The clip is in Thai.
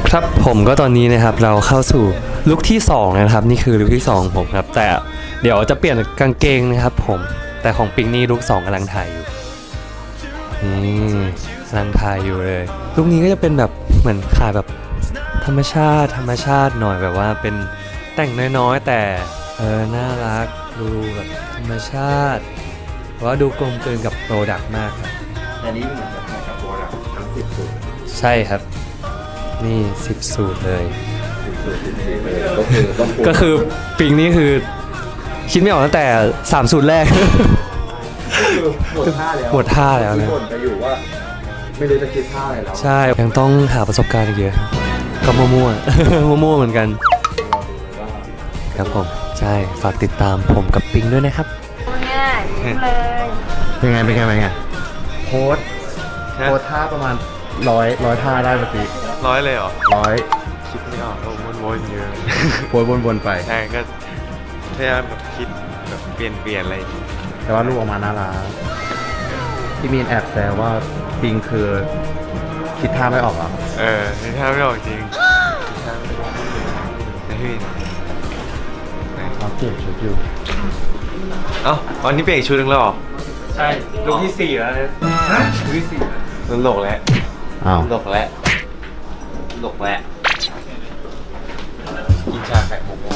ครับผมก็ตอนนี้นะครับเราเข้าสู่ลุคที่2นะครับนี่คือลุคที่2ของผมครับแต่เดี๋ยวจะเปลี่ยนกางเกงนะครับผมแต่ของปิงนี่ลุค2กำลังถ่ายอยู่นี่กำลังถ่ายอยู่เลยลุคนี้ก็จะเป็นแบบเหมือนถ่ายแบบธรรมชาติหน่อยแบบว่าเป็นแต่งน้อยๆแต่น่ารักดูแบบธรรมชาติเพราะว่าดูกลมกลืนกับโปรดักต์มากครับแต่นี้เหมือนจะแข่งกับโปรดักต์ทั้ง10 สูตรใช่ครับนี่10 สูตรเลย 10 สูตร10เลยก็คือต้องก็คือปิงนี่คือคิดไม่ออกตั้งแต่3 สูตรแรกหมดท่าแล้วหมดท่าแล้วนะบ่นไปอยู่ว่าไม่รู้จะคิดท่าอะไรแล้วใช่ยังต้องหาประสบการณ์อีกเยอะก็มั่วๆ มั่วๆเหมือนกันครับผมใช่ฝากติดตามผมกับปิงด้วยนะครับง่ายเลยเป็นไงโพสท่าประมาณร้อยท่าได้ปกติ 100เลยเหรอ 100 คิดไม่ออกก็วนๆเยอะโพสวนๆไปใช่ก็พยายามแบบคิดแบบเปลี่ยนอะไรอย่างงี้แต่ว่ารูปออกมาน่ารักพี่มีนแอบแซวว่าปิงคือคิดท่าไม่ออกเหรอคิดท่าไม่ออกจริงคิดท่าไม่ออกนะพี่เขาเก่งชุดอยู่เอ้าวันนี้เปลี่ยนอีกชุดหนึงแล้วเหรอใช่ลุคที่4แล้วนะลุคที่4แล้วมันหลกแล้วอ้าวหลกแล้วกินชาไข่มุก